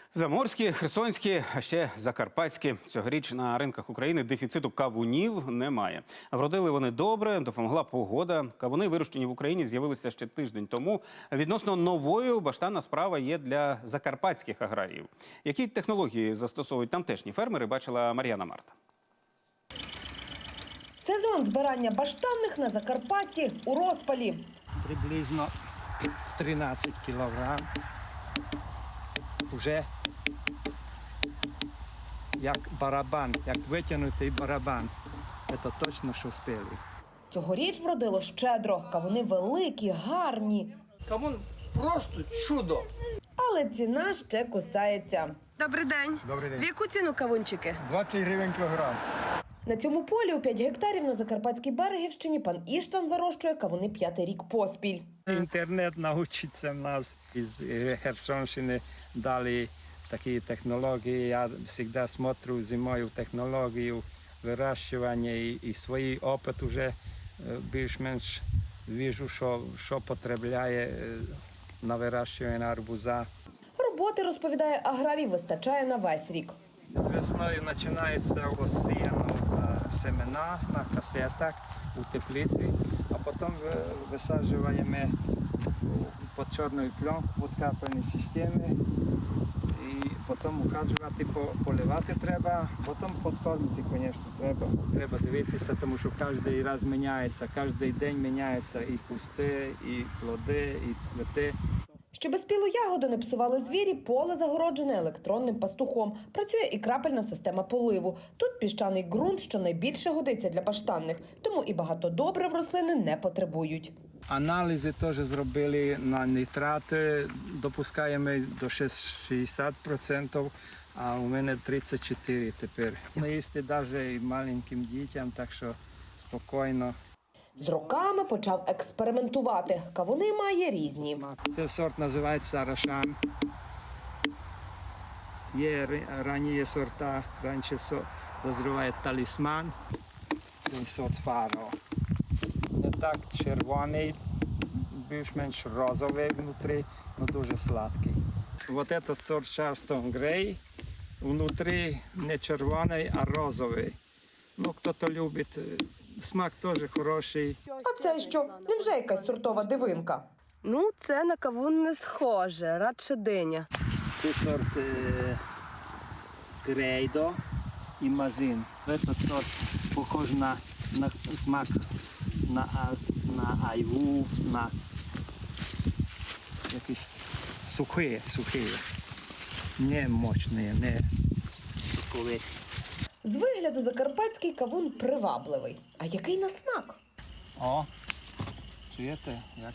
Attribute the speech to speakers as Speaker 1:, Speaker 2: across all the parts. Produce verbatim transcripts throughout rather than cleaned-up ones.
Speaker 1: Заморські, херсонські, а ще закарпатські. Цьогоріч на ринках України дефіциту кавунів немає. Вродили вони добре, допомогла погода. Кавуни, вирощені в Україні, з'явилися ще тиждень тому. Відносно новою баштанна справа є для закарпатських аграріїв. Які технології застосовують тамтешні фермери, бачила Мар'яна Марта.
Speaker 2: Сезон збирання баштанних на Закарпатті у розпалі.
Speaker 3: Приблизно тринадцять кілограм. Уже як барабан, як витягнутий барабан. Це точно, що спили.
Speaker 2: Цьогоріч вродило щедро. Кавуни великі, гарні.
Speaker 4: Кавун просто чудо.
Speaker 2: Але ціна ще кусається.
Speaker 5: Добрий день.
Speaker 6: Добрий день.
Speaker 5: В яку ціну кавунчики?
Speaker 6: двадцять гривень кілограм.
Speaker 2: На цьому полі у п'ять гектарів на Закарпатській Берегівщині пан Іштван вирощує кавуни п'ятий рік поспіль.
Speaker 3: Інтернет навчиться в нас із Херсонщини, дали такі технології. Я завжди смотрю зимою технологію вирощування і, і свій опит вже більш-менш бачу, що, що потребляє на вирощування арбуза.
Speaker 2: Роботи, розповідає аграрій, вистачає на весь рік.
Speaker 3: З весною починається осіяно семена на касетах у теплиці, а потім висаджуємо під чорною пленкою, під капельні системи. І потім указувати, поливати треба, потім підкормити, звісно, треба. Треба дивитися, тому що кожен раз міняється, кожен день міняється і кусти, і плоди, і цвіти.
Speaker 2: Щоб спілу ягоду не псували звірі, поле загороджене електронним пастухом. Працює і крапельна система поливу. Тут піщаний ґрунт, що найбільше годиться для баштанних, тому і багато добрив рослини не потребують.
Speaker 3: Аналізи теж зробили на нітрати, допускаємо до шістдесят відсотків, а у мене тридцять чотири відсотки тепер. Ми їсти навіть і маленьким дітям, так що спокійно.
Speaker 2: З роками почав експериментувати. Кавуни має різні.
Speaker 3: Цей сорт називається Рашан. Є ранні сорта, раніше дозріває талісман, цей сорт Фаро. Не так червоний, більш-менш розовий внутрі, але дуже сладкий. Ось цей сорт Charleston Grey, внутрі не червоний, а розовий. Ну, хто-то любить, смак теж хороший.
Speaker 2: А це що? Невже якась сортова дивинка?
Speaker 5: Ну, це на кавун не схоже, радше диня.
Speaker 3: Це сорт е, Грейдо і Мазин. Цей сорт похож на, на смак на, на айву, на якісь сухі, сухі, не мощні, не соковиті.
Speaker 2: З вигляду закарпатський кавун привабливий. А який на смак?
Speaker 3: О, чуєте, як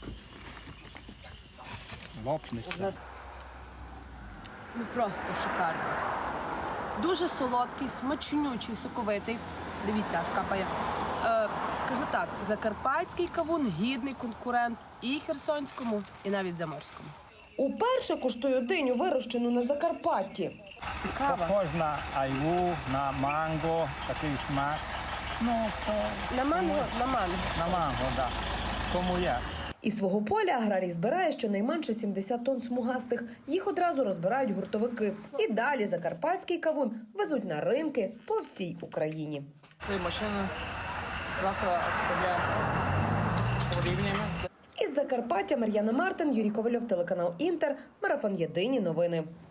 Speaker 3: лопнеться.
Speaker 5: Ну, просто шикарно. Дуже солодкий, смачнючий, соковитий. Дивіться, аж капає. Е, скажу так, закарпатський кавун гідний конкурент і херсонському, і навіть заморському.
Speaker 2: Уперше куштую диню, вирощену на Закарпатті.
Speaker 5: Цікаво.
Speaker 3: Похож на айву, на манго, такий смак. Ну, то...
Speaker 5: На манго, на манго.
Speaker 3: На манго, так. Да. Кому як.
Speaker 2: Із свого поля аграрій збирає щонайменше сімдесят тонн смугастих. Їх одразу розбирають гуртовики. І далі закарпатський кавун везуть на ринки по всій Україні.
Speaker 4: Це машина завтра відправляємо порівняємо.
Speaker 2: Із Закарпаття Мар'яна Мартин, Юрій Ковальов, телеканал Інтер, Марафон Єдині новини.